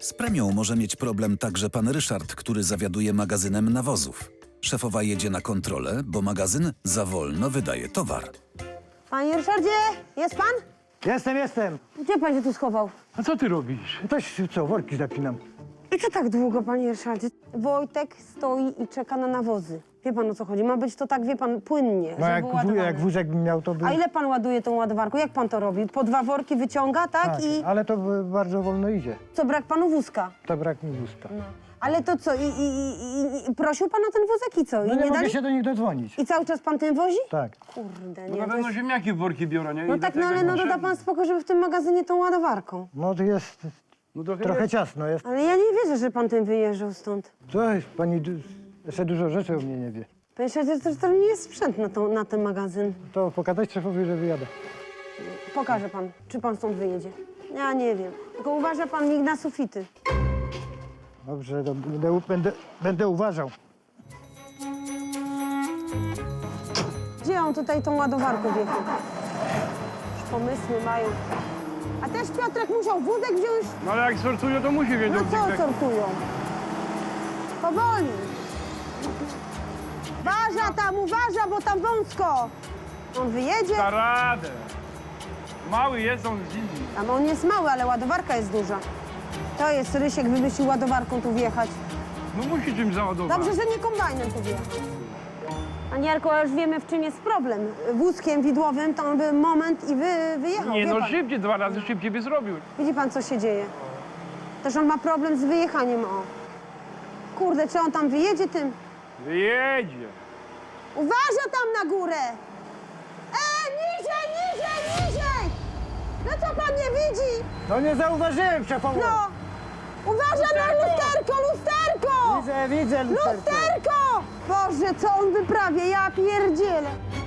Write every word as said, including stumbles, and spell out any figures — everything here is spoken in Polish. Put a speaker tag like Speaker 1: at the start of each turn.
Speaker 1: Z premią może mieć problem także pan Ryszard, który zawiaduje magazynem nawozów. Szefowa jedzie na kontrolę, bo magazyn za wolno wydaje towar.
Speaker 2: Panie Ryszardzie, jest pan?
Speaker 3: Jestem, jestem.
Speaker 2: Gdzie pan się tu schował?
Speaker 4: A co ty robisz?
Speaker 3: Coś, co, worki zapinam.
Speaker 2: I co tak długo, panie Ryszardzie? Wojtek stoi i czeka na nawozy. Wie pan, o co chodzi? Ma być to tak, wie pan, płynnie,
Speaker 3: No
Speaker 2: żeby
Speaker 3: jak,
Speaker 2: było
Speaker 3: wó-
Speaker 2: ładowane.
Speaker 3: jak wózek bym miał, to by...
Speaker 2: A ile pan ładuje tą ładowarką? Jak pan to robi? Po dwa worki wyciąga, tak?
Speaker 3: Tak,
Speaker 2: I
Speaker 3: ale to by bardzo wolno idzie.
Speaker 2: co, brak panu wózka?
Speaker 3: To brak mi wózka. No,
Speaker 2: Ale to co, i, i, i, i prosił pan o ten wózek i co? I
Speaker 3: no nie, mogę
Speaker 2: dali?
Speaker 3: się do nich dodzwonić.
Speaker 2: I cały czas pan tym wozi?
Speaker 3: Tak.
Speaker 2: Kurde,
Speaker 4: No
Speaker 2: nie.
Speaker 4: na
Speaker 2: to
Speaker 4: pewno
Speaker 2: jest...
Speaker 4: ziemniaki w worki biorą, nie?
Speaker 2: No
Speaker 4: I
Speaker 2: tak, no
Speaker 4: dlatego
Speaker 2: ale no
Speaker 4: muszę-
Speaker 2: doda pan spokój, żeby w tym magazynie tą ładowarką.
Speaker 3: No to jest
Speaker 4: No trochę,
Speaker 3: trochę
Speaker 4: jest.
Speaker 3: ciasno. Jest.
Speaker 2: Ale ja nie wierzę, że pan tym wyjeżdżał stąd.
Speaker 3: Coś, pani du- jeszcze dużo rzeczy o mnie nie wie.
Speaker 2: Panie Ryszardzie, to, to nie jest sprzęt na, tą, na ten magazyn.
Speaker 3: To pokazać szefowi, że wyjadę.
Speaker 2: Pokaże pan, czy pan stąd wyjedzie. Ja nie wiem. Tylko uważa pan mig na sufity.
Speaker 3: Dobrze, to będę, będę, będę uważał.
Speaker 2: Gdzie on tutaj tą ładowarką wjechał? Już pomysły mają. A też Piotrek musiał wózek wziąć?
Speaker 4: No ale jak sortują, to musi wiedzieć.
Speaker 2: No co
Speaker 4: jak-
Speaker 2: sortują? Powoli. Uważa tam, uważa, bo tam wąsko. On wyjedzie?
Speaker 4: Da radę. Mały jest, on zimny.
Speaker 2: Tam on jest mały, ale ładowarka jest duża. To jest Rysiek wymyślił ładowarką tu wjechać.
Speaker 4: No musi czymś załadować.
Speaker 2: Dobrze, że nie kombajnem tu wjechał. Panie Jarku, a już wiemy, w czym jest problem. Wózkiem widłowym to on by moment i wy, wyjechał.
Speaker 4: Nie
Speaker 2: wie
Speaker 4: no,
Speaker 2: pan.
Speaker 4: szybciej, dwa razy szybciej by zrobił.
Speaker 2: Widzi pan, co się dzieje. Też on ma problem z wyjechaniem, o. Kurde, czy on tam wyjedzie tym?
Speaker 4: Wyjedzie.
Speaker 2: Uważa tam na górę! E, niżej, niżej, niżej! No co pan nie widzi?
Speaker 3: No nie zauważyłem szefowo.
Speaker 2: No! Uważa na lusterko, lusterko!
Speaker 3: Widzę, widzę lusterko.
Speaker 2: Lusterko! Boże, co on wyprawia, ja pierdzielę.